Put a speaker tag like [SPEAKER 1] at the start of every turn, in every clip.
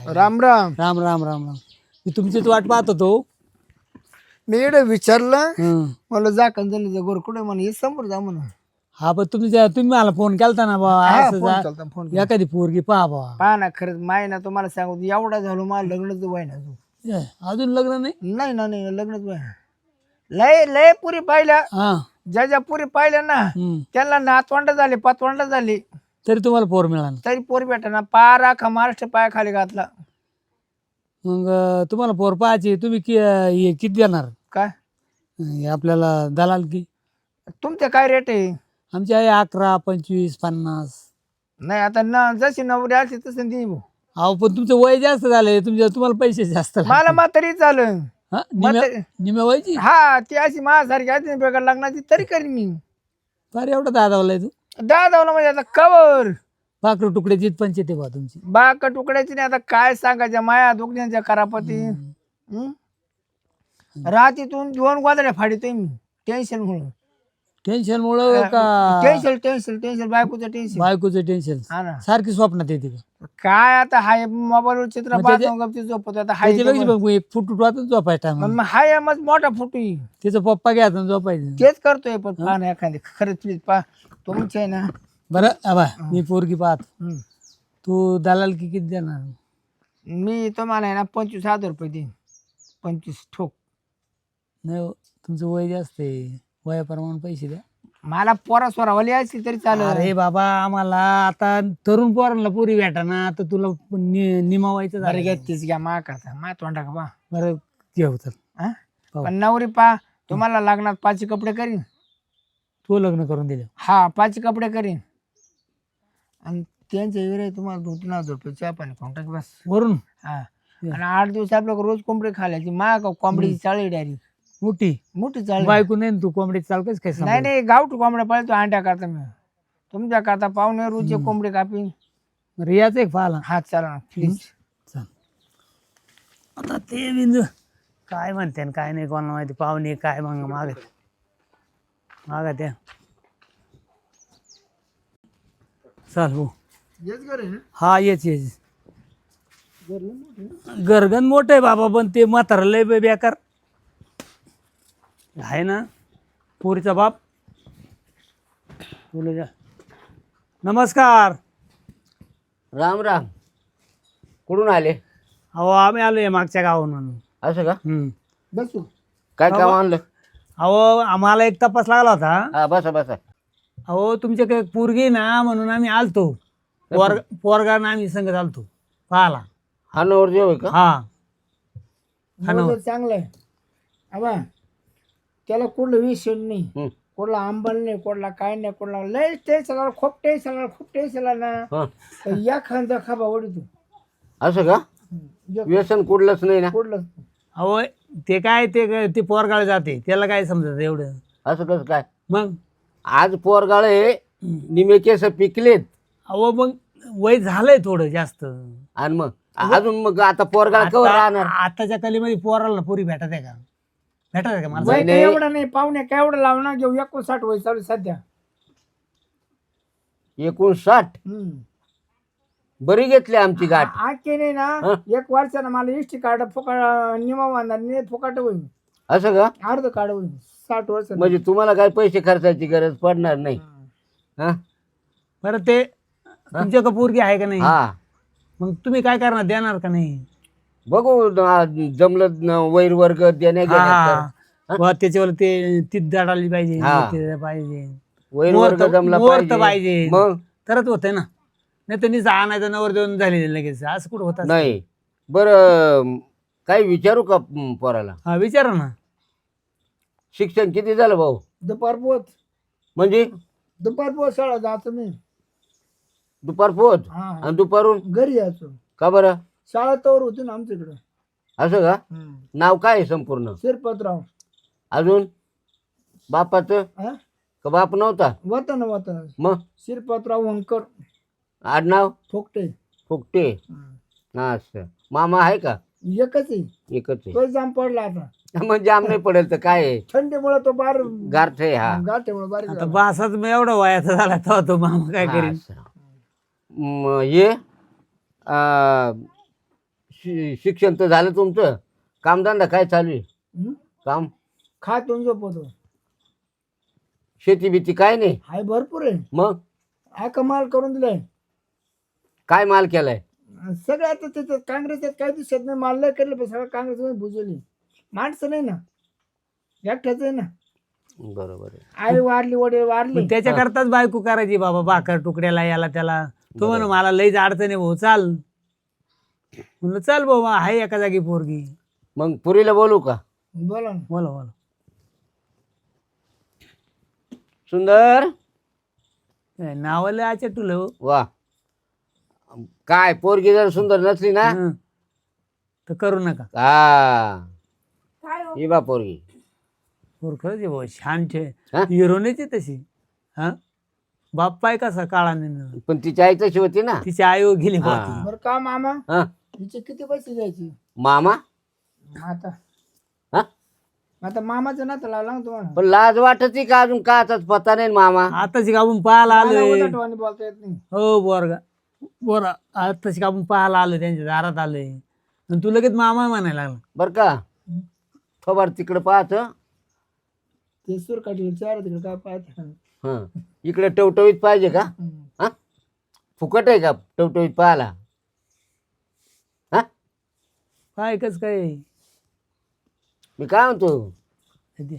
[SPEAKER 1] राम राम.
[SPEAKER 2] राम राम राम राम. मी तुमचीच वाट पाहत होतो.
[SPEAKER 1] मी इकडे विचारलं
[SPEAKER 2] हं.
[SPEAKER 1] मला जा कंजनीचं गोर कुठे म्हणे हे समोर जा म्हणून.
[SPEAKER 2] हा पण तुम्ही मला फोन केलता ना बा
[SPEAKER 1] हा,
[SPEAKER 2] असं
[SPEAKER 1] फोन
[SPEAKER 2] जा
[SPEAKER 1] केलता, फोन
[SPEAKER 2] एखादी पोरगी पहा बा.
[SPEAKER 1] पहा ना खरंच माय ना तुम्हाला सांगू एवढा झालो मला लग्नच व्हाय ना अजून.
[SPEAKER 2] अजून लग्न नाही.
[SPEAKER 1] नाही ना नाही लग्नच व्हाय. लय लय पुरी पाहिल्या
[SPEAKER 2] हा.
[SPEAKER 1] ज्या पुरी पाहिल्या ना त्यांना नातवंड झाले पातवंड झाली
[SPEAKER 2] तरी तुम्हाला पोर मिळाला.
[SPEAKER 1] तरी पोर भेटा ना पारा खा महाराष्ट्र पाया खाली घातला.
[SPEAKER 2] मग तुम्हाला पोर पाहायची तुम्ही हे किती देणार
[SPEAKER 1] काय
[SPEAKER 2] हे आपल्याला दलाल की
[SPEAKER 1] तुमचं काय रेट आहे?
[SPEAKER 2] आमची आहे 11, 25, 50.
[SPEAKER 1] नाही आता ना जशी नवरी असली तसं दे भाऊ.
[SPEAKER 2] अहो पण तुमचं वय जास्त झालंय तुम्हाला पैसे जास्त लागतील.
[SPEAKER 1] मला म्हातारी चालेल.
[SPEAKER 2] हा, निम्या वयाची.
[SPEAKER 1] हा ती अशी माझ्यासारखी आहे बेकार लग्नाची तरी करीन मी.
[SPEAKER 2] फार एवढा दादावलाय तू.
[SPEAKER 1] दादावला म्हणजे आता कवर
[SPEAKER 2] पाखरू तुकड्याची पंचायत बा तुमची.
[SPEAKER 1] बाक तुकड्याची नाही आता काय सांगायच्या माया दुखण्याच्या करापती. रात्रीतून 2 गोदड्या फाडीतोय मी टेन्शन म्हणून.
[SPEAKER 2] टेन्शन मुळे का
[SPEAKER 1] टेन्शन टेन्शन टेन्शन बायकोचं टेन्शन.
[SPEAKER 2] बायकोचं टेन्शन
[SPEAKER 1] हा ना
[SPEAKER 2] सारखी स्वप्नात येते का?
[SPEAKER 1] काय आता हाय मोबाईलवर चित्र पाहतो गपची झोपत आता हाय
[SPEAKER 2] त्याच्यापेक्षा एक फुट वाटून झोपायचा टाइम.
[SPEAKER 1] हाय मग मोठा फुटू
[SPEAKER 2] तिचा पप्पा घ्यायचा झोपायचं.
[SPEAKER 1] तेच करतोय पण पहा ना एखादी खरंच प्लीज पहा तुमचे आहे ना.
[SPEAKER 2] बरं आबा मी पोरगी पाहत.
[SPEAKER 1] हम्म.
[SPEAKER 2] तू दलाल की किती देणार?
[SPEAKER 1] मी तुम्हाला आहे ना 25,000 रुपये देईन. 25 ठोक.
[SPEAKER 2] नाही हो, तुमचं वय जास्त आहे वयाप्रमाणे पैसे द्या.
[SPEAKER 1] मला पोरा सोरावाली असली तरी चालेल.
[SPEAKER 2] अरे बाबा आम्हाला आता तरुण पोरांना पोरी भेटा ना तर तुला निमावायचं
[SPEAKER 1] बरं
[SPEAKER 2] झालं.
[SPEAKER 1] घ्या तीच घ्या मा करता मा तोंडा का बा.
[SPEAKER 2] बरं घेऊ तर हो.
[SPEAKER 1] पण नवरी पा तुम्हाला लागणार 5 कपडे करीन.
[SPEAKER 2] तू लग्न करून दिलं.
[SPEAKER 1] हा 5 कपडे करीन आणि त्यांच्या वेळे तुम्हाला 2-3 हजार रुपये चहा पाणी खाऊन टाक बस.
[SPEAKER 2] वरून
[SPEAKER 1] हा आणि 8 दिवस आपल्याला रोज कोंबडी खायची मा का कोंबडीची चाळी डायरेक्ट
[SPEAKER 2] मोठी
[SPEAKER 1] मोठी चाळी.
[SPEAKER 2] बायको नाही ना तू कोंबडी चालकच काय सांग.
[SPEAKER 1] नाही नाही गावठी कोंबड्या पाळतो अंड्या करता मी तुमच्या करता पाहुणे रोजचे कोंबडी कापीन.
[SPEAKER 2] रियाच एक पाहिला.
[SPEAKER 1] हा चला ना प्लीज.
[SPEAKER 2] चल आता ते बिंदू काय म्हणते आणि काय नाही कोणाला माहिती. पाहुणे काय मग मागा त्या चाल हो. हा येच गरगन मोठं आहे बाबा पण ते म्हातारा लय बेकार आहे ना. पोरीचा बाप बोलू जा. नमस्कार.
[SPEAKER 3] राम राम. कुठून आले?
[SPEAKER 2] अहो आम्ही आलोय मागच्या गावाहून म्हणून.
[SPEAKER 3] असं का?
[SPEAKER 1] बसू
[SPEAKER 3] काय काम आणलं?
[SPEAKER 2] अहो आम्हाला एक तपास लागला होता.
[SPEAKER 3] हा बसा बसा.
[SPEAKER 2] अहो तुमच्याकडे पोरगी ना म्हणून आम्ही आलतो. पोरगा ना आम्ही संगत आलतो पाहाला.
[SPEAKER 3] हा नवरदेव आहे का?
[SPEAKER 2] हा
[SPEAKER 1] चांगलं आहे आबा. त्याला कुठलं विषय नाही
[SPEAKER 3] हं.
[SPEAKER 1] कुठला आंबल नाही कुठला काय नाही कुठला लय टेन्शन खूप टेन्शन ना
[SPEAKER 3] हा.
[SPEAKER 1] या खांदा खाबा ओढतो.
[SPEAKER 3] असं का? व्यसन कुठलंच नाही ना?
[SPEAKER 1] कुठलं
[SPEAKER 2] अहो ते काय ते पोरगाळ जाते त्याला काय समजत एवढं.
[SPEAKER 3] असं कसं काय?
[SPEAKER 2] मग
[SPEAKER 3] आज पोरगाळे निमे केस पिकलेत
[SPEAKER 2] अहो मग वय झालंय थोडं जास्त.
[SPEAKER 3] आणि मग अजून मग आता पोरगाळ कवर राहणार?
[SPEAKER 2] आताच्या कलीमध्ये पोराला पोरी भेटत आहे का? भेटत आहे का मला?
[SPEAKER 1] वय काय एवढं नाही पाहुणे काय एवढं लावणार घेऊ 59 वय चालू सध्या.
[SPEAKER 3] 59. बरी घेतली आमची गाठ.
[SPEAKER 1] आखे नाही ना 1 वर्षानं मला इष्टी कार्ड फुकाट निमा बांधणार फुकाट होईल.
[SPEAKER 3] असं का?
[SPEAKER 1] अर्ध कार्ड होईल 60 वर्ष.
[SPEAKER 3] म्हणजे तुम्हाला काय पैसे खर्चायची गरज पडणार नाही. हा
[SPEAKER 2] बरं ते तुमच्या का पोरगी आहे का नाही?
[SPEAKER 3] हा
[SPEAKER 2] मग तुम्ही काय करणार देणार का नाही?
[SPEAKER 3] बघू जमलं वैर वर्ग देण्या घेण्यात तर.
[SPEAKER 2] वा त्याच्यावर ते तीत दाडाली पाहिजे
[SPEAKER 3] हा.
[SPEAKER 2] ते पाहिजे
[SPEAKER 3] वैर वर्ग जमला
[SPEAKER 2] मुहूर्त
[SPEAKER 3] पाहिजे.
[SPEAKER 2] पाहिजे
[SPEAKER 3] मग
[SPEAKER 2] तरच होतंय ना. नाही तर निसा आणायचं नवर देऊन झालेलं लगेच असं कुठं होत?
[SPEAKER 3] नाही. बरं काही विचारू का पोराला?
[SPEAKER 2] हा विचारा ना.
[SPEAKER 3] शिक्षण किती झालं भाऊ?
[SPEAKER 1] दुपार पोच
[SPEAKER 3] म्हणजे
[SPEAKER 1] शाळा जातो मी.
[SPEAKER 3] दुपार पोहोच
[SPEAKER 1] हा
[SPEAKER 3] आणि दुपारून
[SPEAKER 1] घरी यायचो.
[SPEAKER 3] का बरं?
[SPEAKER 1] शाळा तवर होती ना आमच्याकडे.
[SPEAKER 3] असं का? नाव काय आहे संपूर्ण?
[SPEAKER 1] शिरपतराव.
[SPEAKER 3] अजून बापाचं
[SPEAKER 1] हा
[SPEAKER 3] का बाप नव्हता?
[SPEAKER 1] वतन
[SPEAKER 3] मग
[SPEAKER 1] शिरपतराव वंकर
[SPEAKER 3] आडनाव?
[SPEAKER 1] फोकटे.
[SPEAKER 3] फुकटे. असं मामा आहे का?
[SPEAKER 1] एकच आहे.
[SPEAKER 3] एकच आहे.
[SPEAKER 1] तो जाम पडला आता
[SPEAKER 3] मग जाम नाही पडेल तर काय आहे?
[SPEAKER 1] थंडीमुळे तो बार
[SPEAKER 3] गारठ आहे. हा
[SPEAKER 1] गाठीमुळे बारीक
[SPEAKER 2] आता
[SPEAKER 1] झाला.
[SPEAKER 2] बासाच मी एवढा वयाचा झाला तेव्हा तो मामा काय करेन?
[SPEAKER 3] असं. हे शिक्षण तर झालं तुमचं, कामधंदा काय चालू आहे?
[SPEAKER 1] हं?
[SPEAKER 3] काम
[SPEAKER 1] खातो झोपतो.
[SPEAKER 3] शेती बिती काय नाही?
[SPEAKER 1] हाय भरपूर आहे.
[SPEAKER 3] मग
[SPEAKER 1] हा कमाल करून दिलाय.
[SPEAKER 3] काय माल केलाय?
[SPEAKER 1] सगळं आता त्याच्यात काँग्रेसात काही दिसत नाही. माल नाही केलं पण सगळं काँग्रेस बुजवली. माणसं नाही ना, एकट्याच आहे ना.
[SPEAKER 3] बरोबर आहे.
[SPEAKER 1] आई वारली, वडील वारले.
[SPEAKER 2] मग त्याच्याकरताच बायको करायची बाबा, भाकर तुकड्याला याला त्याला. तो म्हण मला लईच अडचण आहे भाऊ, चाल. म्हणलं चल भाऊ, आहे एका जागी पोरगी.
[SPEAKER 3] मग पुरीला बोलू का?
[SPEAKER 1] बोला ना.
[SPEAKER 2] बोला बोला.
[SPEAKER 3] सुंदर
[SPEAKER 2] नावाला आच्या तुला हो.
[SPEAKER 3] वा, काय पोरगी जर सुंदर नसली ना
[SPEAKER 2] हं. तर करू नका.
[SPEAKER 3] हा
[SPEAKER 4] काय हो?
[SPEAKER 3] ही बा पोरगी.
[SPEAKER 2] पोर खरंच आहे भाऊ, छान छे.
[SPEAKER 3] हा?
[SPEAKER 2] हिरोनीची तशी. हा बाप पाय कसा काळाने.
[SPEAKER 3] पण तिची आई तशी होती ना.
[SPEAKER 2] तिची आई हो गेली
[SPEAKER 3] हा.
[SPEAKER 2] होती.
[SPEAKER 1] बरं का मामा,
[SPEAKER 3] हा?
[SPEAKER 1] हिचे किती पैसे द्यायचे?
[SPEAKER 3] मामा.
[SPEAKER 1] आता
[SPEAKER 3] हा?
[SPEAKER 1] आता मामाचं नातं लावला ना तुम्हाला.
[SPEAKER 3] पण लाज वाटती का अजून? काचाच पत्ता नाही ना मामा.
[SPEAKER 2] आताची आपण पाहायला
[SPEAKER 1] मला
[SPEAKER 2] आलोय.
[SPEAKER 1] उद्धटवाणी बोलता येत नाही.
[SPEAKER 2] हो बोरगा बोरा, आताची आपण पाहायला आलोय, त्यांच्या दारात आलोय. आणि तू लगेच मामा म्हणायला लागला.
[SPEAKER 3] बर का, थोबाड तिकडे पाहत.
[SPEAKER 1] ते सूर काढले चार तिकडे काय पाहते.
[SPEAKER 3] हं, इकडे टवटवीत पाहिजे का? हा? फुकट आहे का टवटवीत पाहायला? हा?
[SPEAKER 2] काय कस काय
[SPEAKER 3] मी काय म्हणतो,
[SPEAKER 2] ते.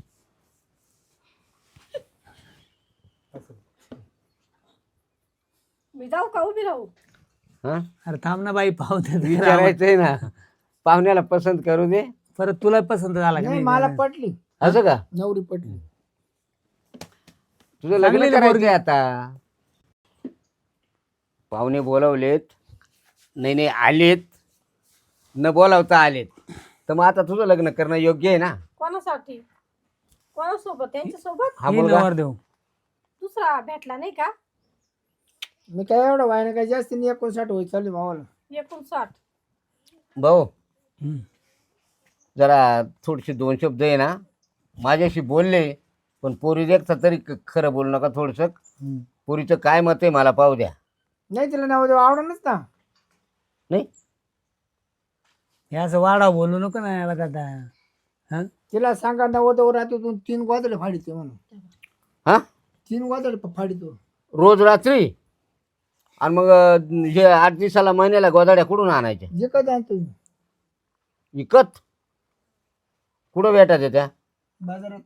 [SPEAKER 4] मी जाऊ का उभी राहू?
[SPEAKER 3] हा?
[SPEAKER 2] अरे थांब ना बाई, पाहू दे.
[SPEAKER 3] विचारायचंय ना, पाहुण्याला पसंत करू दे.
[SPEAKER 2] परत तुला पसंत झाला का
[SPEAKER 1] नाही
[SPEAKER 2] नाही?
[SPEAKER 1] मला पटली,
[SPEAKER 3] असं का?
[SPEAKER 1] नवरी पटली.
[SPEAKER 3] तुझं लग्न
[SPEAKER 2] चांगली
[SPEAKER 3] करायचंय आता. पाहुणे बोलावलेत, नाही आलेत, न बोलावता आलेत, तर मग आता तुझं लग्न करणं योग्य आहे ना?
[SPEAKER 4] कोणासाठी? कोणासोबत? त्यांच्यासोबत?
[SPEAKER 3] हा
[SPEAKER 2] ही
[SPEAKER 3] मुलगा
[SPEAKER 2] नवर देऊ.
[SPEAKER 4] दुसरा भेटला नाही का?
[SPEAKER 1] मी काय एवढं व्हायला काय जास्त नाही, 59 होईल चालू मावाला.
[SPEAKER 4] 59.
[SPEAKER 3] भाऊ,
[SPEAKER 2] हं.
[SPEAKER 3] जरा थोडेसे दोन शब्द आहे ना माझ्याशी बोलले, पण पोरी देखता तरी खरं बोलू नका थोडस.
[SPEAKER 2] हं.
[SPEAKER 3] पोरीचं काय मत आहे मला पाहू द्या.
[SPEAKER 1] नाही तिला नाव देऊ आवडणच ना.
[SPEAKER 3] नाही
[SPEAKER 2] हे असं वाढा बोलू नको ना याला दादा. हा
[SPEAKER 1] तिला सांगा नवद रात्रीतून 3 गोदडे फाडीते म्हणून.
[SPEAKER 3] हा
[SPEAKER 1] 3 गोदडे फाडीतो
[SPEAKER 3] रोज रात्री. आणि मग हे 8 दिवसाला महिन्याला गोदाड्या कुठून आणायच्या?
[SPEAKER 1] जे कधी आणतो
[SPEAKER 3] विकत? कुठं भेटायच्या त्या?
[SPEAKER 1] बाजारात.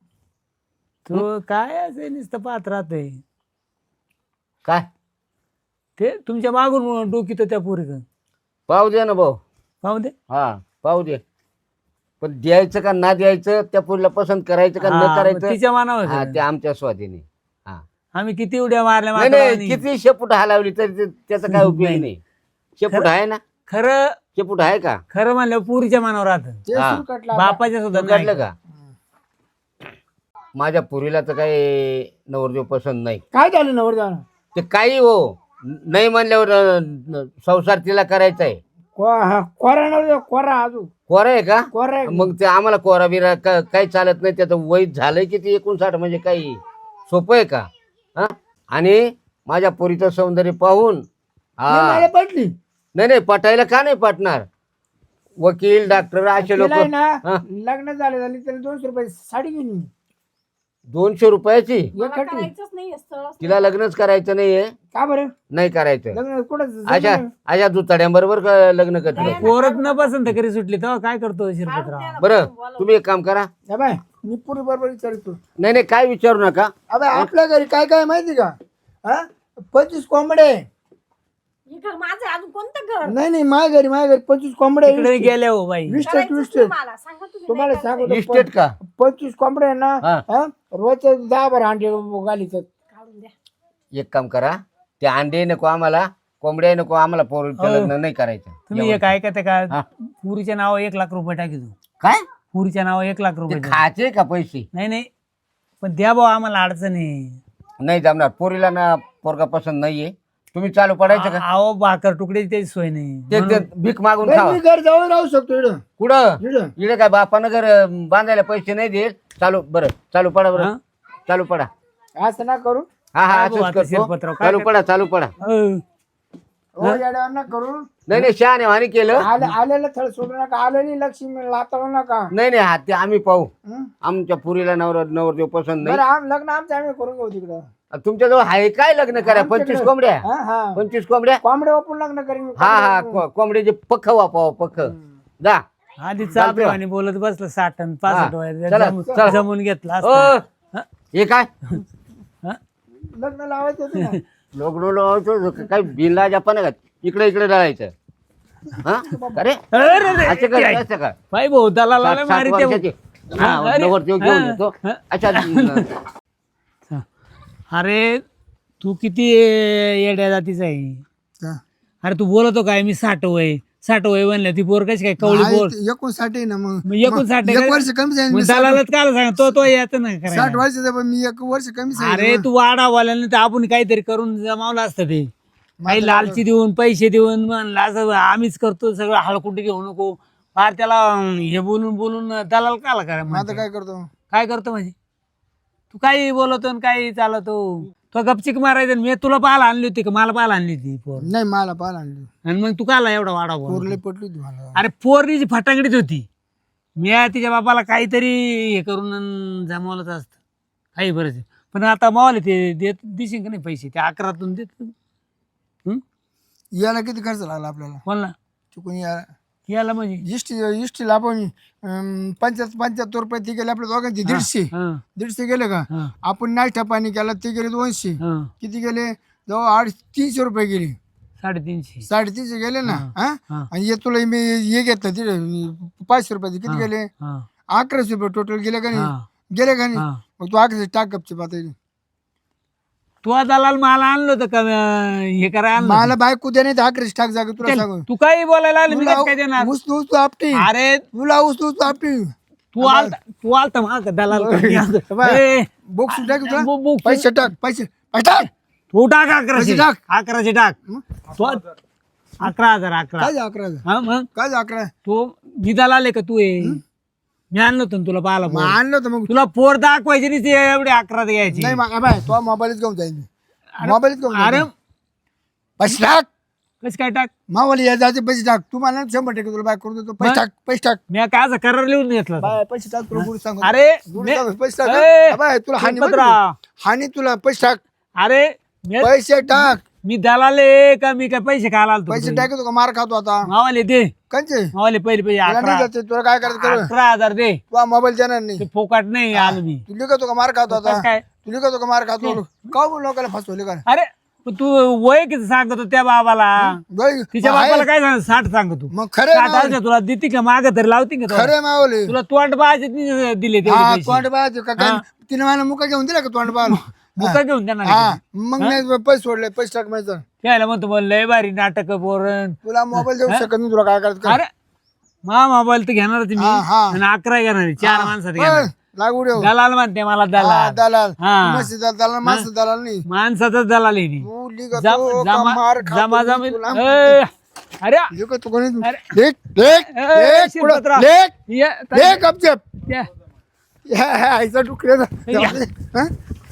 [SPEAKER 2] तो काय असं नुसतं पाहत राहतोय.
[SPEAKER 3] काय
[SPEAKER 2] ते तुमच्या मागून डोकीत त्या पोरीक.
[SPEAKER 3] पाहू दे ना भाऊ.
[SPEAKER 2] पाहू दे.
[SPEAKER 3] हा पाहू दे, पण द्यायचं का ना द्यायचं, त्या पोरीला पसंत करायचं का न
[SPEAKER 2] हा, मग
[SPEAKER 3] करायचं,
[SPEAKER 2] तिच्या मानावर
[SPEAKER 3] हा
[SPEAKER 2] आहे.
[SPEAKER 3] ते आमच्या स्वाधीने. हा
[SPEAKER 2] आम्ही किती उड्या मारल्या
[SPEAKER 3] नाही नाही,
[SPEAKER 2] माकडावानी.
[SPEAKER 3] किती शेपूट हलावली तरी त्याचा काय उपयोग
[SPEAKER 2] नाही.
[SPEAKER 3] नाही. शेपूट आहे ना?
[SPEAKER 2] खरं
[SPEAKER 3] शेपूट आहे का?
[SPEAKER 2] खरं म्हणलं पुरीच्या मानावर राहत.
[SPEAKER 1] ते
[SPEAKER 3] हा.
[SPEAKER 1] सूर काढला.
[SPEAKER 2] बापाच्या सुद्धा
[SPEAKER 3] तू
[SPEAKER 2] नाही.
[SPEAKER 3] काढलं का? माझ्या पुरीला तर काही नवरदेव पसंत नाही.
[SPEAKER 1] काय झालं नवर जाणं?
[SPEAKER 3] ते काही हो, नाही म्हणल्यावर संसार तिला करायचा आहे.
[SPEAKER 1] कोरा नवर, कोरा अजून
[SPEAKER 3] कोरा आहे का?
[SPEAKER 1] कोरा आहे.
[SPEAKER 3] मग ते आम्हाला कोरा बिरा काही चालत नाही. त्याचं वय झालंय किती 59, म्हणजे काही सोपं आहे का? हा? आणि माझ्या पोरीचं सौंदर्य पाहून
[SPEAKER 1] नाही, मला
[SPEAKER 3] हा
[SPEAKER 1] पटली.
[SPEAKER 3] नाही नाही, पटायला का नाही पटणार? वकील डॉक्टर असे लोक.
[SPEAKER 1] तिला आहे ना
[SPEAKER 3] हा?
[SPEAKER 1] लग्न झाले त्याला 200 रुपये साडी घेऊन
[SPEAKER 3] 200 रुपयाची?
[SPEAKER 4] मला
[SPEAKER 1] एकटी.
[SPEAKER 4] करायचंच नाहीये स्थळ.
[SPEAKER 3] तिला लग्नच करायचं नाहीये?
[SPEAKER 1] का बरं?
[SPEAKER 3] नाही करायचं.
[SPEAKER 1] लग्न कुठं
[SPEAKER 3] अशा अशा दुताड्यांबरोबर लग्न करते.
[SPEAKER 2] पोरच न पसंत करी सुटली तेव्हा काय करतो शिरपतराव?
[SPEAKER 3] बरं तुम्ही एक काम करा.
[SPEAKER 1] बाय मी पुरी बरोबर विचारतो.
[SPEAKER 3] नाही नाही, काय विचारू नका.
[SPEAKER 1] अबे आपल्या घरी काय काय माहिती का? हा 25 कोंबडे.
[SPEAKER 4] हे घर माझं आहे, अजून कोणतं घर?
[SPEAKER 1] नाही माझ्या घरी 25 कोंबडे.
[SPEAKER 2] तिकडे गेल्या हो बाई.
[SPEAKER 1] विस्टेट
[SPEAKER 4] करायचंच नाही मला. सांगा तुम्ही.
[SPEAKER 1] तुम्हाला
[SPEAKER 4] नाही करायचं.
[SPEAKER 1] सांगतो
[SPEAKER 3] इस्टेट का?
[SPEAKER 1] 25 कोंबडे आहे ना.
[SPEAKER 3] हा.
[SPEAKER 1] हा? रोजचे 10-12 अंडे घालीत.
[SPEAKER 4] काढून द्या.
[SPEAKER 3] एक काम करा, ते अंडे नको आम्हाला, कोंबड्या नको आम्हाला, पोरीचं
[SPEAKER 2] हो.
[SPEAKER 3] लग्न नाही करायचं.
[SPEAKER 2] तुम्ही एक ऐकते का?
[SPEAKER 3] हा.
[SPEAKER 2] पुरीच्या नावावर 1 लाख रुपये टाकी तू.
[SPEAKER 3] काय
[SPEAKER 2] पुरीच्या नावावर 1 लाख
[SPEAKER 3] ते
[SPEAKER 2] रुपये द्या.
[SPEAKER 3] खायचे का पैसे?
[SPEAKER 2] नाही पण द्या भाऊ, आम्हाला अडचण आहे.
[SPEAKER 3] नाही जमणार. पोरीला ना पोरगा पसंत नाहीये. तुम्ही चालू पडायचं का?
[SPEAKER 2] अहो भाकर तुकड्याची त्याची सोय नाही.
[SPEAKER 3] ते भीक मागून
[SPEAKER 1] नाही,
[SPEAKER 3] खावा.
[SPEAKER 1] मी घर जवळ राहू शकतो इकडं.
[SPEAKER 3] कुठं?
[SPEAKER 1] इकडं.
[SPEAKER 3] इकडे काय बापानं घर बांधायला पैसे नाही देत? चालू बरं, चालू पडा बरं.
[SPEAKER 2] हा?
[SPEAKER 3] चालू पडा.
[SPEAKER 1] असं ना करू.
[SPEAKER 3] हा हा
[SPEAKER 2] काय भाऊ
[SPEAKER 3] असंच
[SPEAKER 2] आता
[SPEAKER 3] करतो.
[SPEAKER 2] शिरपतराव, काय
[SPEAKER 3] चालू पडा, चालू पडा.
[SPEAKER 2] अहो,
[SPEAKER 1] हो येड्यावर करून
[SPEAKER 3] नाही नाही शहाणे वाणी केलं.
[SPEAKER 1] आलेलं थळ सोडू नका, आलेली लक्ष्मी लातावू नका.
[SPEAKER 3] नाही नाही हा ते आम्ही पाहू.
[SPEAKER 1] हं?
[SPEAKER 3] आमच्या पुरीला नवरदेव पसंत
[SPEAKER 1] बरं
[SPEAKER 3] नाही.
[SPEAKER 1] लग्न आमचं आम्ही करून घेऊ तिकडं.
[SPEAKER 3] तुमच्याजवळ आहे काय लग्न करा? 25 कोंबड्या.
[SPEAKER 1] हा हा
[SPEAKER 3] 25 कोंबड्या.
[SPEAKER 1] कोंबडे वापरून लग्न करीन.
[SPEAKER 3] हा कोंबड्याचे पख वापाव पख. जा
[SPEAKER 2] आधी चाबरेवानी बोलत बसलं 60 आणि 65
[SPEAKER 3] चला, चला.
[SPEAKER 2] जमून घेतला
[SPEAKER 3] ओ, हे काय
[SPEAKER 1] लग्न लावायचं होतं ना.
[SPEAKER 3] लोकडो लावायचं काय बिनला पण का इकडे इकडे जायचं. हा अरे असं काय असं काय
[SPEAKER 2] पाय भाऊ त्याला
[SPEAKER 3] 60 वर्षाचे. हा, नवरदेव घेऊन येतो. अच्छा
[SPEAKER 2] अरे तू किती येड्या जातीचा आहे.
[SPEAKER 1] हा.
[SPEAKER 2] अरे तू बोलतो काय मी 60 वय म्हणलं ती पोर कशी काय कवळी बोल
[SPEAKER 1] 59 आहे ना मग.
[SPEAKER 2] मग 59
[SPEAKER 1] एक वर्ष कमी जाईल. मी
[SPEAKER 2] दलालच काल सांग तो याचं नाही
[SPEAKER 1] 60
[SPEAKER 2] करायला.
[SPEAKER 1] वर्षाचा पण मी एक वर्ष कमी सांगितलं.
[SPEAKER 2] अरे तू वाडा बोलायला तर आपण काहीतरी करून जमावलं असतं ते. काही लालची देऊन पैसे देऊन म्हणलं असं आम्हीच करतो सगळं हळकुंडी घेऊ नको फार त्याला हे बोलून दलाल काला करा
[SPEAKER 1] मग आता काय करतो?
[SPEAKER 2] काय करतो म्हणजे तू काही बोलतो आणि काही चालवतो. तो गपचिक मारायचं मी तुला पाहायला आणली होती का मला पाहायला आणली होती पोर
[SPEAKER 1] नाही मला पाहिलं आणली.
[SPEAKER 2] आणि मग तू काला एवढा वाडा बोल.
[SPEAKER 1] पोरले पटली होती मला.
[SPEAKER 2] अरे पोरनीची फटाकडीच होती. मी तिच्या बापाला काहीतरी हे करून जमवलंच असतं काही बरंच. पण आता मावाले ते देत दिसेल का नाही पैसे ते 11तून देत.
[SPEAKER 1] याला किती खर्च लागला आपल्याला?
[SPEAKER 2] कोणला
[SPEAKER 1] चुकून
[SPEAKER 2] याला म्हणजे
[SPEAKER 1] इष्टीला आपण 75 रुपये ते गेले आपल्या दोघांचे. 150 गेले का?
[SPEAKER 2] हा.
[SPEAKER 1] आपण नाश्ता पाणी केला ते गेले 200. किती गेले? जवळ 300 रुपये गेले.
[SPEAKER 2] 350
[SPEAKER 1] 350 गेले ना.
[SPEAKER 2] हा.
[SPEAKER 1] आणि हे तुला मी हे घेतलं तिथे 500 रुपयाचे किती गेले? 1100 रुपये टोटल गेले का नाही? गेले का नाही? मग तू 1100 टाक गपचे पातळी.
[SPEAKER 2] तू दलाल मला आणलं होतं का हे करायला आणलं
[SPEAKER 1] मला बायको दे नाही 1100 टाक जागा तुला
[SPEAKER 2] होतं?
[SPEAKER 1] सांगू.
[SPEAKER 2] तू काही बोलायला आलं मी कसं काय देणार.
[SPEAKER 1] उचलू आपटी.
[SPEAKER 2] अरे
[SPEAKER 1] तुला उचलू आपटी.
[SPEAKER 2] तू आलता मग दलाल ए,
[SPEAKER 1] बुक्स टाक तुला.
[SPEAKER 2] बुक
[SPEAKER 1] पैसे टाक पैसे टाक.
[SPEAKER 2] तू टाक 1100
[SPEAKER 1] पैसे टाक.
[SPEAKER 2] 1100 टाक. तू 11,000
[SPEAKER 1] काय 11?
[SPEAKER 2] हा मग
[SPEAKER 1] काय 11?
[SPEAKER 2] तू मी दलाल आहे का तू आहे मी आणलं होतं ना तुला पाहायला
[SPEAKER 1] मग
[SPEAKER 2] पोर.
[SPEAKER 1] आणलं होतं मग.
[SPEAKER 2] तुला पोर दाखवायची नाही ते एवढे 11 द्यायची.
[SPEAKER 1] नाही मग बाय तो मोबाईलच घेऊन जाईल. मोबाईलच घेऊन
[SPEAKER 2] अरे
[SPEAKER 1] जाईल. पैसे टाक.
[SPEAKER 2] कसं काय टाक
[SPEAKER 1] मावाली या जायचे पैसे टाक. तू मला 100% तुला बाय करून देतो. पैसे टाक पैसे टाक.
[SPEAKER 2] मी काय असं करार लिहून घेतला होता.
[SPEAKER 1] बाय पैसे टाक तुला गुरु सांगू.
[SPEAKER 2] अरे
[SPEAKER 1] गुरु सांगू, पैसे टाक.
[SPEAKER 2] ए,
[SPEAKER 1] बाय तुला हानी
[SPEAKER 2] शिरपतराव.
[SPEAKER 1] बघ. हानी तुला पैसे टाक.
[SPEAKER 2] अरे
[SPEAKER 1] पैसे टाक.
[SPEAKER 2] मी दलाल आहे का मी काय पैसे खायला आलतो
[SPEAKER 1] पैसे टाकतो का मार खातो आता?
[SPEAKER 2] मावाले दे
[SPEAKER 1] कंचे
[SPEAKER 2] मावाले पहिले पैसे
[SPEAKER 1] तुला नाही
[SPEAKER 2] 11
[SPEAKER 1] जाते. तुला काय करायचं कर.
[SPEAKER 2] 11,000 दे
[SPEAKER 1] तुला मोबाईल देणार नाही.
[SPEAKER 2] ते फोकाट नाही आलो मी.
[SPEAKER 1] तू लिखतो का मार खातो आता?
[SPEAKER 2] कसं काय
[SPEAKER 1] तू लिखतो का मार खातो? का बोल लोकांना फसवले का?
[SPEAKER 2] अरे पण तू वय किती सांगतो त्या बाबाला तिच्या बाबाला काय सांग 60 सांगतो
[SPEAKER 1] मग खरे
[SPEAKER 2] 60,000 तुला देते का माग तरी लावते का तुला?
[SPEAKER 1] खरे मावले.
[SPEAKER 2] तुला तोंड बाजे दिले ते
[SPEAKER 1] हा
[SPEAKER 2] पैसे.
[SPEAKER 1] तोंड पाहते का काय? तिने मला मुका घेऊन दिला का तोंड पाहून?
[SPEAKER 2] मुका घेऊन देणार
[SPEAKER 1] हा
[SPEAKER 2] का?
[SPEAKER 1] मग नाही पैसे सोडले. पैसे टाक माझं.
[SPEAKER 2] त्याला म्हणतो मग लय भारी नाटक पोरण.
[SPEAKER 1] तुला मोबाईल देऊ शकत नाही. तुला काय करायचं कर.
[SPEAKER 2] अरे मा मोबाईल तर घेणारच मी
[SPEAKER 1] हा, हा.
[SPEAKER 2] आणि 11 घेणार 4 माणसात घेणार.
[SPEAKER 1] लागू देऊ.
[SPEAKER 2] दलाल म्हणते मला
[SPEAKER 1] हा,
[SPEAKER 2] दलाल
[SPEAKER 1] दलाल.
[SPEAKER 2] हा.
[SPEAKER 1] मस्त दलाल माणसं दलाल नाही.
[SPEAKER 2] माणसाचाच दलाल आहे ती.
[SPEAKER 1] तू लिखतो का मार खातो?
[SPEAKER 2] जमा जमा
[SPEAKER 1] तुला
[SPEAKER 2] अरे
[SPEAKER 1] लिखतो कोणी?
[SPEAKER 2] अरे.
[SPEAKER 1] लेख लेख
[SPEAKER 2] ए,
[SPEAKER 1] लेख पुढं.
[SPEAKER 2] शिरपतराव.
[SPEAKER 1] लेख
[SPEAKER 2] ये,
[SPEAKER 1] लेख गपचप.
[SPEAKER 2] त्या-
[SPEAKER 1] आईचा डुकऱ्याचा
[SPEAKER 2] या.
[SPEAKER 1] हा?